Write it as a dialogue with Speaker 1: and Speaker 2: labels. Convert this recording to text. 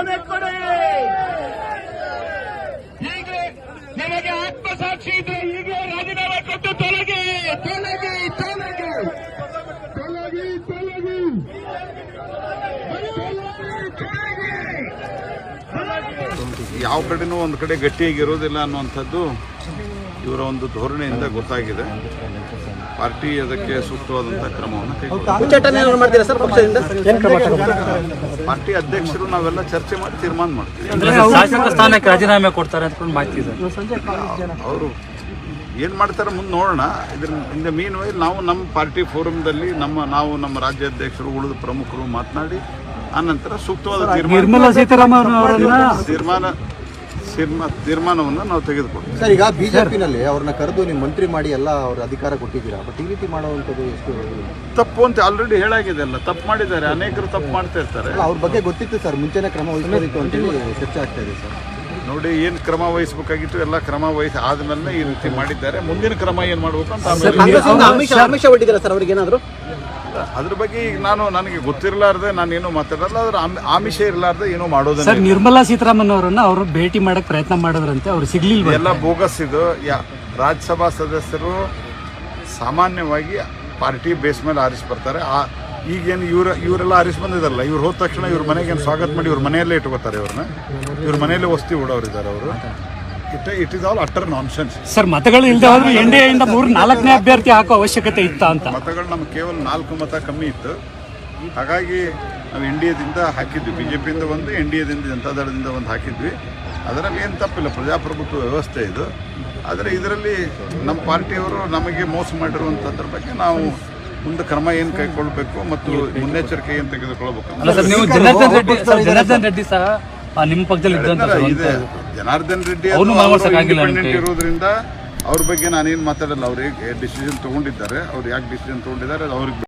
Speaker 1: ರಾಜೀನಾಮೆ ಕೊಡಿ. ಹೀಗೆ ನಿಮಗೆ ಆತ್ಮಸಾಕ್ಷಿ ಇದ್ರೆ ಹೀಗೆ ರಾಜೀನಾಮೆ ಕೊಟ್ಟು ತೊಲಗಿ ತೊಲಗಿ ತೊಲಗಿ ತೊಲಗಿ ತೊಲಗಿ
Speaker 2: ಯಾವ ಕಡೆನೂ ಒಂದು ಕಡೆ ಗಟ್ಟಿಯಾಗಿರೋದಿಲ್ಲ ಅನ್ನುವಂಥದ್ದು ಇವರ ಒಂದು ಧೋರಣೆಯಿಂದ ಗೊತ್ತಾಗಿದೆ. ಪಾರ್ಟಿ ಅದಕ್ಕೆ ಸೂಕ್ತವಾದಂತಹ ಕ್ರಮವನ್ನು ಪಾರ್ಟಿ ಅಧ್ಯಕ್ಷರು ನಾವೆಲ್ಲ ಚರ್ಚೆ ಮಾಡಿ ತೀರ್ಮಾನ ಮಾಡ್ತೀವಿ.
Speaker 3: ಶಾಸಕ ಸ್ಥಾನಕ್ಕೆ ರಾಜೀನಾಮೆ ಕೊಡ್ತಾರೆ ಅಂತ ಮಾಹಿತಿ ಇದೆ.
Speaker 2: ಅವರು ಏನ್ ಮಾಡ್ತಾರೆ ಮುಂದೆ ನೋಡೋಣ. ಇದ್ರ ಮೀನ್ ವೈ ನಾವು ನಮ್ಮ ಪಾರ್ಟಿ ಫೋರಮ್ದಲ್ಲಿ ನಮ್ಮ ರಾಜ್ಯಾಧ್ಯಕ್ಷರು ಉಳಿದ ಪ್ರಮುಖರು ಮಾತನಾಡಿ ಆನಂತರ ಸೂಕ್ತವಾದ ತೀರ್ಮಾನವನ್ನು ನಾವು ತೆಗೆದುಕೊಳ್ತೀವಿ.
Speaker 4: ಸರ್, ಈಗ ಬಿಜೆಪಿನಲ್ಲಿ ಅವ್ರನ್ನ ಕರೆದು ನೀವು ಮಂತ್ರಿ ಮಾಡಿ ಎಲ್ಲ ಅವ್ರ ಅಧಿಕಾರ ಕೊಟ್ಟಿದ್ದೀರಾ, ಬಟ್ ಈ ರೀತಿ ಮಾಡುವಂಥದ್ದು ಎಷ್ಟು
Speaker 2: ತಪ್ಪು ಅಂತ ಆಲ್ರೆಡಿ ಹೇಳಾಗಿದೆ. ಅಲ್ಲ, ತಪ್ಪು ಮಾಡಿದ್ದಾರೆ, ಅನೇಕರು ತಪ್ಪು ಮಾಡ್ತಾ ಇರ್ತಾರೆ.
Speaker 4: ಅವ್ರ ಬಗ್ಗೆ ಗೊತ್ತಿತ್ತು ಸರ್, ಮುಂಚೆನೇ ಕ್ರಮ ವಹಿಸಬೇಕು ಅಂತೇಳಿ ಚರ್ಚೆ ಆಗ್ತಾ ಇದೆ ಸರ್.
Speaker 2: ನೋಡಿ, ಏನು ಕ್ರಮ ವಹಿಸಬೇಕಾಗಿತ್ತು ಎಲ್ಲ ಕ್ರಮ ವಹಿಸಿ ಆದ್ಮೇಲೆ ಈ ರೀತಿ ಮಾಡಿದ್ದಾರೆ. ಮುಂದಿನ ಕ್ರಮ ಏನು ಮಾಡಬೇಕು ಅಂತ
Speaker 4: ಆಮಿಷ ಒಡ್ಡಿದ್ದೀರಾ ಸರ್ ಅವ್ರಿಗೆ ಏನಾದರೂ?
Speaker 2: ಅದ್ರ ಬಗ್ಗೆ ಈಗ ನನಗೆ ಗೊತ್ತಿರಲಾರ್ದೆ ನಾನೇನು ಮಾತಾಡಲ್ಲ. ಅದ್ರ ಆಮಿಷ ಇರಲಾರ್ದೆ ಏನೋ ಮಾಡೋದು.
Speaker 3: ಸರ್, ನಿರ್ಮಲಾ ಸೀತಾರಾಮನ್ ಅವರನ್ನ ಅವರು ಭೇಟಿ ಮಾಡಕ್ ಪ್ರಯತ್ನ ಮಾಡಿದ್ರಂತೆ, ಅವ್ರು ಸಿಗ್ಲಿಲ್ಲ.
Speaker 2: ಎಲ್ಲ ಬೋಗಸ್ ಇದು. ರಾಜ್ಯಸಭಾ ಸದಸ್ಯರು ಸಾಮಾನ್ಯವಾಗಿ ಪಾರ್ಟಿ ಬೇಸ್ ಮೇಲೆ ಆರಿಸಿ ಬರ್ತಾರೆ. ಈಗೇನು ಇವರೆಲ್ಲ ಆರಿಸಿ ಬಂದಿದಾರಲ್ಲ, ಇವ್ರು ಹೋದ ತಕ್ಷಣ ಇವ್ರ ಮನೆಗೆ ಸ್ವಾಗತ ಮಾಡಿ ಇವ್ರ ಮನೆಯಲ್ಲೇ ಇಟ್ಕೋತಾರೆ. ಇವ್ರ ಮನೆಯಲ್ಲೇ ವಸ್ತಿ ಓಡೋರಿದ್ದಾರೆ ಅವರು. It is all utter nonsense.
Speaker 3: Sir, ಮತಗಳು ಇಲ್ಲದೆ ಹೋದ್ರೆ NDA ಇಂದ 4ನೇ ಅಭ್ಯರ್ಥಿ ಹಾಕೋ ಅವಶ್ಯಕತೆ ಇತ್ತ ಅಂತ.
Speaker 2: ಮತಗಳು ನಮ್ಗೆ ಕೇವಲ 4 ಮತ ಕಮ್ಮಿ ಇತ್ತು. ಹಾಗಾಗಿ ನಾವು NDAದಿಂದ ಹಾಕಿದ್ವಿ. ಬಿಜೆಪಿಯಿಂದ ಒಂದು, NDAದಿಂದ ಜನತಾದಳದಿಂದ ಒಂದು ಹಾಕಿದ್ವಿ. ಅದರಲ್ಲಿ ಏನು ತಪ್ಪಿಲ್ಲ, ಪ್ರಜಾಪ್ರಭುತ್ವ ವ್ಯವಸ್ಥೆ ಇದು. ಆದರೆ ಇದರಲ್ಲಿ ನಮ್ಮ ಪಾರ್ಟಿಯವರು ನಮಗೆ ಮೋಸ ಮಾಡಿರುವಂಥದ್ರ ಬಗ್ಗೆ ನಾವು ಮುಂದೆ ಕ್ರಮ ಏನು ಕೈಗೊಳ್ಳಬೇಕು ಮತ್ತು ಮುನ್ನೆಚ್ಚರಿಕೆ ಏನು ತೆಗೆದುಕೊಳ್ಬೇಕು.
Speaker 3: ಜನಾರ್ದನ್ ರೆಡ್ಡಿ ಸಹ ನಿಮ್ಮ ಪಕ್ಷದಲ್ಲಿ
Speaker 2: ಇದೆ. ಜನಾರ್ದನ್ ರೆಡ್ಡಿ ಇಂಡಿಪೆಂಡೆಂಟ್ ಇರೋದ್ರಿಂದ ಅವ್ರ ಬಗ್ಗೆ ನಾನೇನು ಮಾತಾಡಲ್ಲ. ಅವ್ರಿಗೆ ಡಿಸಿಷನ್ ತಗೊಂಡಿದ್ದಾರೆ. ಅವ್ರು ಯಾಕೆ ಡಿಸಿಷನ್ ತಗೊಂಡಿದ್ದಾರೆ ಅವ್ರಿಗೆ